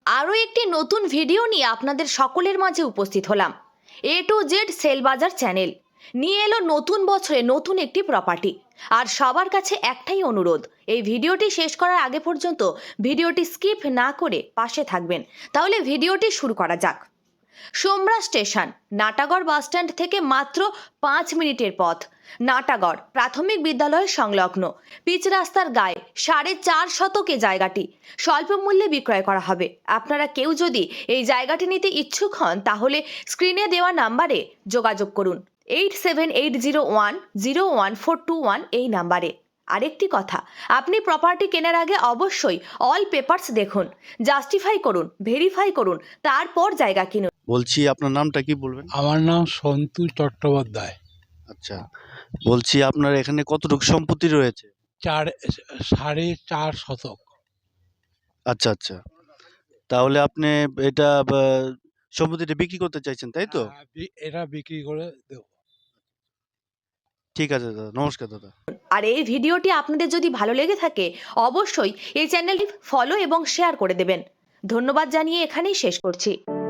আরও একটি নতুন ভিডিও নিয়ে আপনাদের সকলের মাঝে উপস্থিত হলাম। A to Z সেল বাজার চ্যানেল নিয়ে এলো নতুন বছরে নতুন একটি প্রপার্টি। আর সবার কাছে একটাই অনুরোধ, এই ভিডিওটি শেষ করার আগে পর্যন্ত ভিডিওটি স্কিপ না করে পাশে থাকবেন। তাহলে ভিডিওটি শুরু করা যাক। সোমরা স্টেশন নাটাগড় বাসস্ট্যান্ড থেকে মাত্র 5 মিনিটের পথ। নাটাগড় প্রাথমিক বিদ্যালয়ের সংলগ্ন পিচ রাস্তার গায়ে 4.5 শতকে জায়গাটি স্বল্প মূল্যে বিক্রয় করা হবে। আপনারা কেউ যদি এই জায়গাটি নিতে ইচ্ছুক হন তাহলে স্ক্রিনে দেওয়া নাম্বারে যোগাযোগ করুন 8780101421 এই নাম্বারে। আরেকটি কথা, আপনি প্রপার্টি কেনার আগে অবশ্যই অল পেপারস দেখুন, জাস্টিফাই করুন, ভেরিফাই করুন, তারপর জায়গা কিনুন। বলছি আপনার নামটা কি বলবেন? আমার নাম সন্তু চট্টোপাধ্যায়। আচ্ছা, বলছি আপনার এখানে কতটুকু সম্পত্তি রয়েছে? 4.5 শতক। আচ্ছা আচ্ছা, তাহলে আপনি এটা সম্পত্তিটা বিক্রি করতে চাইছেন, তাই তো? এটা বিক্রি করে দেব। ঠিক আছে দাদা, নমস্কার দাদা। আর এই ভিডিওটি আপনাদের যদি ভালো লেগে থাকে অবশ্যই এই চ্যানেলটি ফলো এবং শেয়ার করে দেবেন। ধন্যবাদ জানিয়ে এখানেই শেষ করছি।